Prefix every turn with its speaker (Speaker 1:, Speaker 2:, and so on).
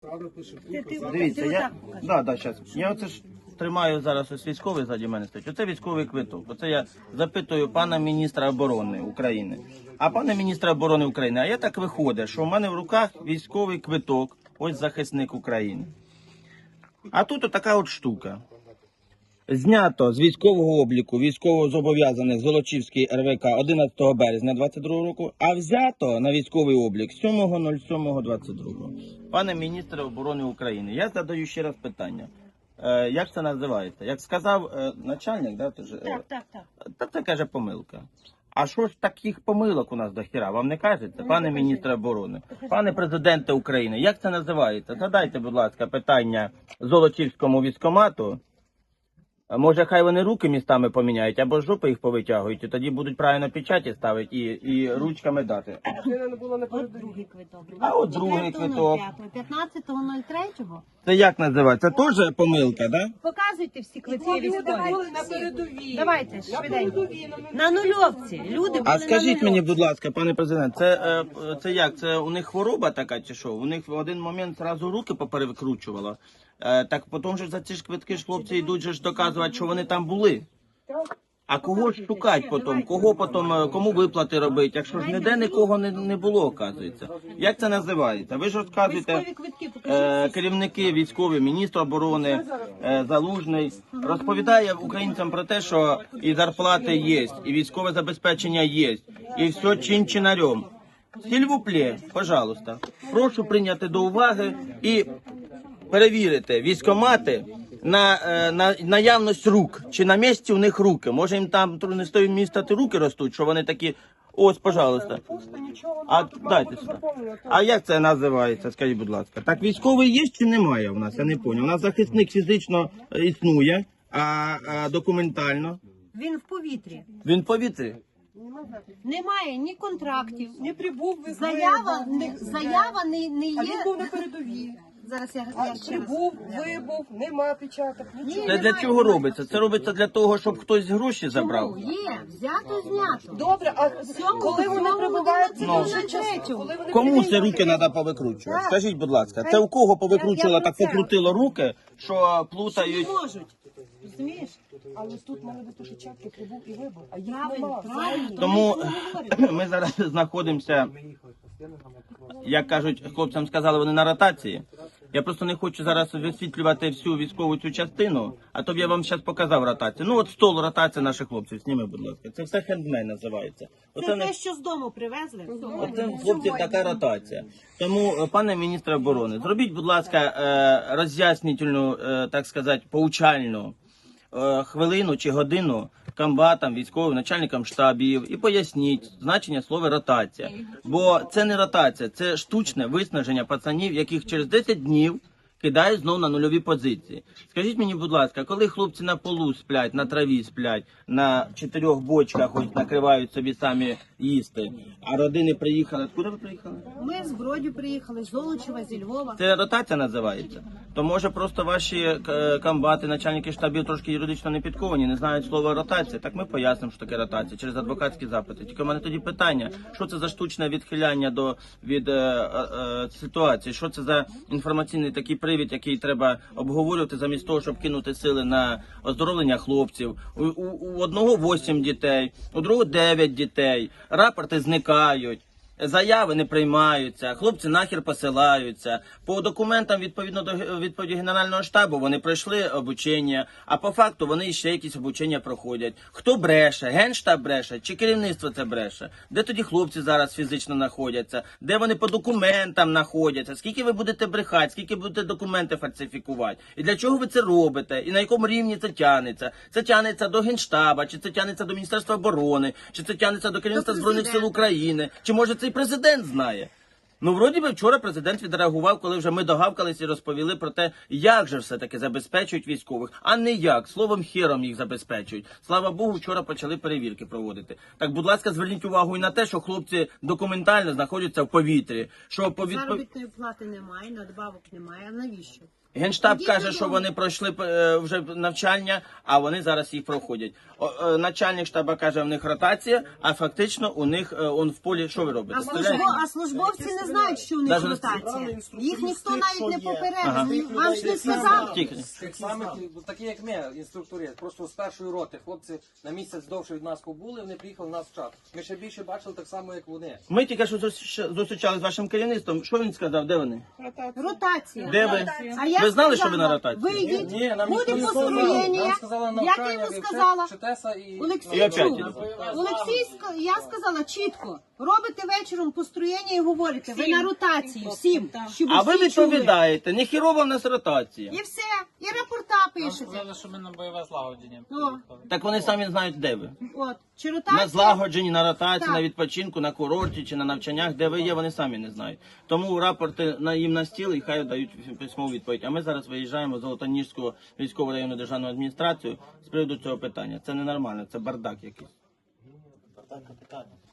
Speaker 1: Дивіться, я оце ж тримаю зараз ось військовий ззаді мене стоїть. Оце військовий квиток. Оце я запитую пана міністра оборони України. А пане міністра оборони України, а я так виходить, що в мене в руках військовий квиток, ось захисник України. А тут отака от штука. Знято з військового обліку військовозобов'язаних Золочівський РВК 11 березня 2022 року, а взято на військовий облік 7.07.22. Пане міністре оборони України, я задаю ще раз питання. Як це називається? Як сказав начальник, да, так. Це каже помилка. А що ж таких помилок у нас до хіра? Вам не кажеться, пане міністре оборони, пане президенте України, як це називається? Задайте, будь ласка, питання Золочівському військкомату. Може, хай вони руки містами поміняють, або жопи їх повитягують, і тоді будуть правильно печаті ставити і ручками дати.
Speaker 2: От другий квиток.
Speaker 1: А от другий квиток.
Speaker 2: 15.03.
Speaker 1: Це як називається? Це теж помилка, так? Да?
Speaker 2: Показуйте всі квитки військові.
Speaker 3: На передовій.
Speaker 2: Давайте, швиденько. На нульовці. Люди були
Speaker 1: А скажіть
Speaker 2: на
Speaker 1: мені,
Speaker 2: нульовці.
Speaker 1: будь ласка, пане президент, це як? Це у них хвороба така чи що? У них в один момент зразу руки поперевикручувало. Так потім же за ці ж квитки ж хлопці йдуть же ж доказувати, що вони там були. А кого ж шукати потім? Кого потім, кому виплати робити? Якщо ж ніде нікого не було, оказується. Як це називається? Ви ж розказуєте,
Speaker 2: Військові квитки, покажіть.
Speaker 1: керівники військові, міністр оборони, Залужний, розповідає українцям про те, що і зарплати є, і військове забезпечення є, і все чин-чинарем. Сільвуплє, пожалуйста, прошу прийняти до уваги і перевірити військкомати на наявність рук. Чи на місці у них руки. Може їм там не з того міста руки ростуть, що вони такі, ось, пожалуйста. А дайте сюди. А як це називається, скажіть, будь ласка? Так військовий є чи немає у нас? Я не зрозумів. У нас захисник фізично існує, а документально?
Speaker 2: Він в повітрі.
Speaker 1: Він в повітрі.
Speaker 2: Немає ні контрактів.
Speaker 3: Не прибув ви
Speaker 2: Заява не
Speaker 3: А він
Speaker 2: є.
Speaker 3: був на передовій.
Speaker 2: Зараз я ще раз.
Speaker 3: Прибув, вибув, нема печаток. Нічого.
Speaker 1: Це для чого робиться? Це робиться для того, щоб хтось гроші забрав?
Speaker 2: Є, взято, знято.
Speaker 3: Добре, а коли вони прибувають,
Speaker 1: Ну.
Speaker 3: вже час. Коли вони
Speaker 1: Кому це руки треба повикручувати? Скажіть, будь ласка, це у кого повикручувало, так покрутило руки, що плутають?
Speaker 2: Не можуть. Розумієш?
Speaker 3: Але тут мали бути печатки, прибув і вибув, а їх
Speaker 2: Правильно,
Speaker 3: нема.
Speaker 2: правильно.
Speaker 1: Тому ми зараз знаходимося, як кажуть, хлопцям сказали, вони на ротації. Я просто не хочу зараз висвітлювати всю військову цю частину, а то б я вам зараз показав ротацію. Ну от стол ротації наших хлопців, зніми, будь ласка. Це все хендмей називається.
Speaker 2: Це те, що з дому привезли.
Speaker 1: Оце хлопців така ротація. Тому, пане міністре оборони, зробіть, будь ласка, роз'яснительну, так сказати, поучальну хвилину чи годину комбатам, військовим, начальникам штабів і поясніть значення слова ротація. Бо це не ротація, це штучне виснаження пацанів, яких через 10 днів кидають знову на нульові позиції. Скажіть мені, будь ласка, коли хлопці на полу сплять, на траві сплять, на 4 бочках ось накривають собі самі їсти, а родини приїхали, куди ви приїхали?
Speaker 2: Ми з Бродю приїхали, з Золочева, зі Львова.
Speaker 1: Це ротація називається. То може просто ваші комбати, начальники штабів трошки юридично не підковані, не знають слова ротація. Так ми пояснимо, що таке ротація через адвокатські запити. Тільки в мене тоді питання, що це за штучне відхиляння від ситуації, що це за інформаційний такий привід, який треба обговорювати замість того, щоб кинути сили на оздоровлення хлопців. У одного 8 дітей, у другого 9 дітей, рапорти зникають. Заяви не приймаються, хлопці нахер посилаються. По документам, відповідно до відповіді Генерального штабу, вони пройшли обучення, а по факту вони ще якісь обучення проходять. Хто бреше? Генштаб бреше? Чи керівництво це бреше? Де тоді хлопці зараз фізично знаходяться? Де вони по документам знаходяться? Скільки ви будете брехати? Скільки будете документи фальсифікувати? І для чого ви це робите? І на якому рівні це тягнеться? Це тягнеться до Генштаба, чи це тягнеться до Міністерства оборони, чи це тягнеться до керівництва Збройних сил України, чи може це президент знає. Ну, вроді би, вчора президент відреагував, коли вже ми догавкалися і розповіли про те, як же все-таки забезпечують військових, а не як, словом хером їх забезпечують. Слава Богу, вчора почали перевірки проводити. Так, будь ласка, зверніть увагу і на те, що хлопці документально знаходяться в повітрі. Що
Speaker 2: Заробітної плати немає, надбавок немає. А навіщо?
Speaker 1: Генштаб
Speaker 2: Ідіть
Speaker 1: каже, що
Speaker 2: додому.
Speaker 1: вони пройшли вже навчання, а вони зараз їх проходять. Начальник штаба каже, в них ротація, а фактично у них он в полі, що ви робите? Стріляєте?
Speaker 2: А службовці не знають, що у них
Speaker 1: Даже не
Speaker 2: ротація. Їх ніхто навіть не
Speaker 1: Ага.
Speaker 2: попередив. Вам ж не сказали.
Speaker 1: Тільки.
Speaker 4: Тих самих, такі як ми, інструктори, просто з першої роти. Хлопці на місяць довше від нас побули, вони приїхали в нас в чат. Ми ще більше бачили так само, як вони.
Speaker 1: Ми тільки що зустрічали з вашим керівництвом. Що він сказав? Де вони?
Speaker 2: Ротація.
Speaker 1: Де ви?
Speaker 2: А я
Speaker 1: Ви знали,
Speaker 2: сказала,
Speaker 1: що ви на ротації?
Speaker 2: Ви йдіть,
Speaker 4: Ні, нам
Speaker 2: буде
Speaker 4: ніхто не сказав.
Speaker 2: построєння.
Speaker 4: Нам сказали
Speaker 2: Як
Speaker 4: навчання,
Speaker 2: я йому
Speaker 4: ви
Speaker 2: сказала?
Speaker 4: вчитеся і...
Speaker 2: Олексій
Speaker 1: І опять
Speaker 2: чув.
Speaker 1: іде.
Speaker 2: Я сказала чітко, робите вечором построєння і говорите, ви на ротації всім, щоб
Speaker 1: А ви
Speaker 2: всі чули.
Speaker 1: відповідаєте, не хірова в нас ротація.
Speaker 2: І все, і рапорта пишете.
Speaker 5: Сказали, що ми на бойове злагодження.
Speaker 2: Ну,
Speaker 1: Так вони самі знають, де ви.
Speaker 2: от, чи
Speaker 1: На
Speaker 2: ротація?
Speaker 1: злагодженні, на ротації,
Speaker 2: Так.
Speaker 1: на відпочинку, на курорті чи на навчаннях, де ви є, вони самі не знають. Тому рапорти їм на стіл і хай дають письмову відповідь. А ми зараз виїжджаємо в Золотоніжську військову районну державну адміністрацію з приводу цього питання. Це ненормально, це бардак якийсь.
Speaker 6: Питання.